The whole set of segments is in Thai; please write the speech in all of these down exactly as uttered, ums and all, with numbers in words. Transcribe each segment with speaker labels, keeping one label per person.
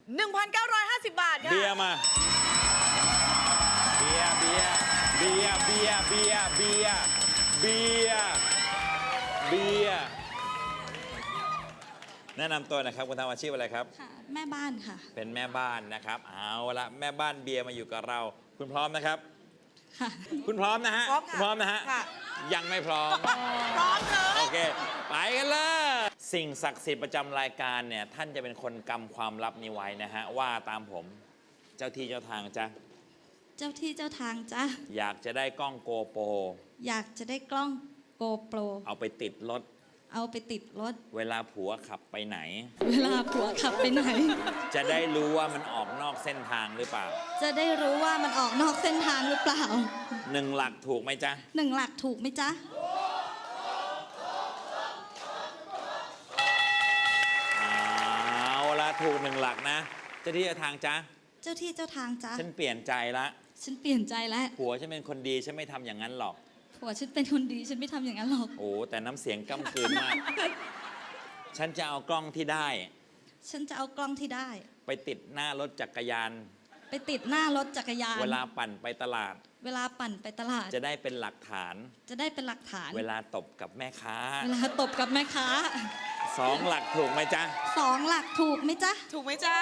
Speaker 1: หนึ่งพันเก้าร้อยห้าสิบบาทค่ะ
Speaker 2: เบียร์มา เบียร์เบียร์เบียร์เบียร์เบียร์เบียร์เบียร์เบียร์แนะนำตัวนะครับคุณทำอาชีพอะไรครับ
Speaker 3: ค่ะแม่บ้านค่ะ
Speaker 2: เป็นแม่บ้านนะครับเอาละแม่บ้านเบียร์มาอยู่กับเรา คุณพร้อมนะครับ
Speaker 3: ค่ะ
Speaker 2: คุณพร้อมนะฮะ
Speaker 1: พร้อมค่ะ
Speaker 2: พร้อมนะฮะ
Speaker 1: ค่ะ
Speaker 2: ยังไม่พร้อม
Speaker 1: พร้อมเลย
Speaker 2: โอเค ไปกันเลย สิ่งศักดิ์สิทธิ์ประจำรายการเนี่ยท่านจะเป็นคนกำความลับนี้ไว้นะฮะว่าตามผมเจ้าที่เจ้าทางจ้ะ
Speaker 3: เจ้าที่เจ้าทางจ้ะ
Speaker 2: อยากจะได้กล้องโกโปร
Speaker 3: อยากจะได้กล้องโกโปร
Speaker 2: เอาไปติดรถ
Speaker 3: เอาไปติดรถ
Speaker 2: เวลาผัวขับไปไหน
Speaker 3: เวลาผัวขับไปไหน
Speaker 2: จะได้รู้ว่ามันออกนอกเส้นทางหรือเปล่า
Speaker 3: จะได้รู้ว่ามันออกนอกเส้นทางหรือเปล่า
Speaker 2: หนึ่งหลักถูกไหมจ๊ะ
Speaker 3: หนึ่งหลักถูกไหมจ๊ะ
Speaker 2: เอาละถูกหนึ่งหลักนะเจ้าที่เจ้าทางจ๊ะ
Speaker 3: เจ้าที่เจ้าทางจ๊ะ
Speaker 2: ฉันเปลี่ยนใจละ
Speaker 3: ฉันเปลี่ยนใจแล้ว
Speaker 2: ผัวฉันเป็นคนดีฉันไม่ทำอย่างนั้นหรอก
Speaker 3: ผัวฉันเป็นคนดีฉันไม่ทำอย่างนั้นหรอก
Speaker 2: โอ้แต่น้ำเสียงก้ำกลืนมาก ฉันจะเอากล้องที่ได้
Speaker 3: ฉันจะเอากล้องที่ได้
Speaker 2: ไปติดหน้ารถจักรยาน
Speaker 3: ไปติดหน้ารถจักรยาน
Speaker 2: เวลาปั่นไปตลาด
Speaker 3: เวลาปั่นไปตลาด
Speaker 2: จะได้เป็นหลักฐาน
Speaker 3: จะได้เป็นหลักฐาน
Speaker 2: เวลาตบกับแม่ค้า
Speaker 3: เวลาตบกับแม่ค้า
Speaker 2: สองหลักถูกไหมจ๊ะ
Speaker 3: สองหลักถูกไหมจ๊ะ
Speaker 1: ถูกไหมจ๊ะ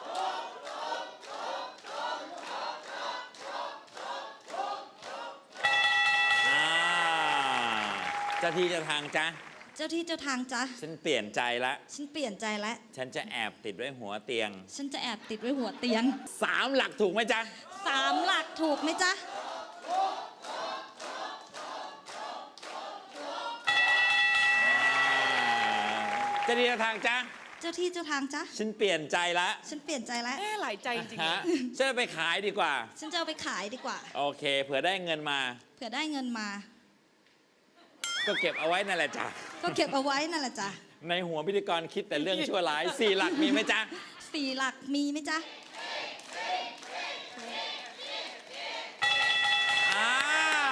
Speaker 2: อ่าเจ้าที่เจ้าทางจ๊ะ
Speaker 3: เจ้าที่เจ้าทางจ๊ะ
Speaker 2: ฉันเปลี่ยนใจละ
Speaker 3: ฉันเปลี่ยนใจแล้ว
Speaker 2: ฉันจะแอบติดไว้หัวเตียง
Speaker 3: ฉันจะแอบติดไว้หัวเตียง
Speaker 2: สามหลักถูกไหมจ๊ะ
Speaker 3: สามหลักถูกไหมจ๊ะ
Speaker 2: เจ้าที่เจ้าทางจ๊ะ
Speaker 3: เจ้าที่เจ้าทางจ๊ะ
Speaker 2: ฉันเปลี่ยนใจละ
Speaker 3: ฉันเปลี่ยนใจแล้ว
Speaker 1: เอ๊ะหลายใจจริงๆ
Speaker 2: ฮะ
Speaker 1: นะ
Speaker 2: ฉันจะไปขายดีกว่า
Speaker 3: ฉันจะเอาไปขายดีกว่า
Speaker 2: โอเค เผื่อได้เงินมา
Speaker 3: เผื่อได้เงินมา
Speaker 2: ก็เก็บเอาไว้นั่นแหละจ้ะ
Speaker 3: ก็เก็บเอาไว้นั่นแหละจ้ะ
Speaker 2: ในหัวพิธีกรคิดแต่เรื่องชั่วร้ายสี่หลักมีไหมจ๊ะ
Speaker 3: สี่หลักมีไหมจ๊ะ
Speaker 2: อ่า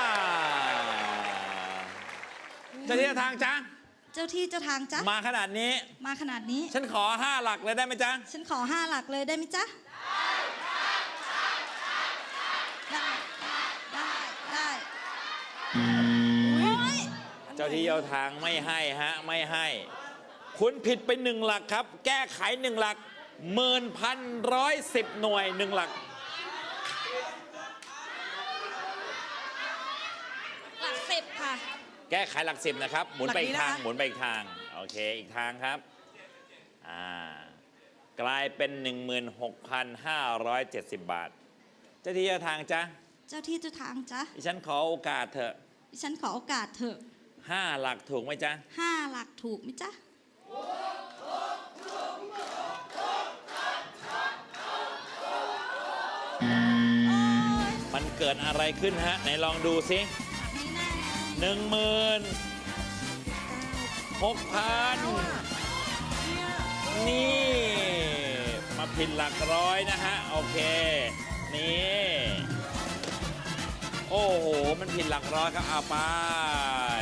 Speaker 2: เจ้าที่เจ้าทางจ๊ะ
Speaker 3: เจ้าที่เจ้าทางจ๊ะ
Speaker 2: มาขนาดนี้
Speaker 3: มาขนาดนี้
Speaker 2: ฉันขอห้าหลักเลยได้ไหมจ๊ะ
Speaker 3: ฉันขอห้าหลักเลยได้ไหมจ๊ะ ได้ได้ได้โอ้ย
Speaker 2: เจ้าที่เจ้าทางไม่ให้ฮะไม่ให้ คุณผิดไปหนึ่งหลักครับ แก้ไขหนึ่งหลักหมื่นพันร้อยสิบหน่วยหนึ่งหลัก
Speaker 3: หลักสิบค่ะ
Speaker 2: แก้ไขหลักสิบนะครับ หมุนไปอีกทาง
Speaker 1: หลักนี้นะคะ
Speaker 2: หมุนไปอีกทาง โอเค อีกทางครับ อ่ากลายเป็น หนึ่งหมื่นหกพันห้าร้อยเจ็ดสิบ บาท เจ้าที่เจ้าทางจ๊ะ
Speaker 3: เจ้าที่เจ้าทางจ๊ะ
Speaker 2: ดิฉันขอโอกาสเถอะ
Speaker 3: ดิฉันขอโอกาสเถอะ
Speaker 2: ห้าหลักถูกไหมจ๊ะ
Speaker 3: ห้าหลักถูกไหมจ๊ะ
Speaker 2: มันเกิดอะไรขึ้นฮะ ไหนลองดูสิหนึ่งหมื่นหกพันนี่ มาผิดหลักร้อยนะฮะ โอเค นี่ โอ้โห มันผิดหลักร้อยครับเอาไป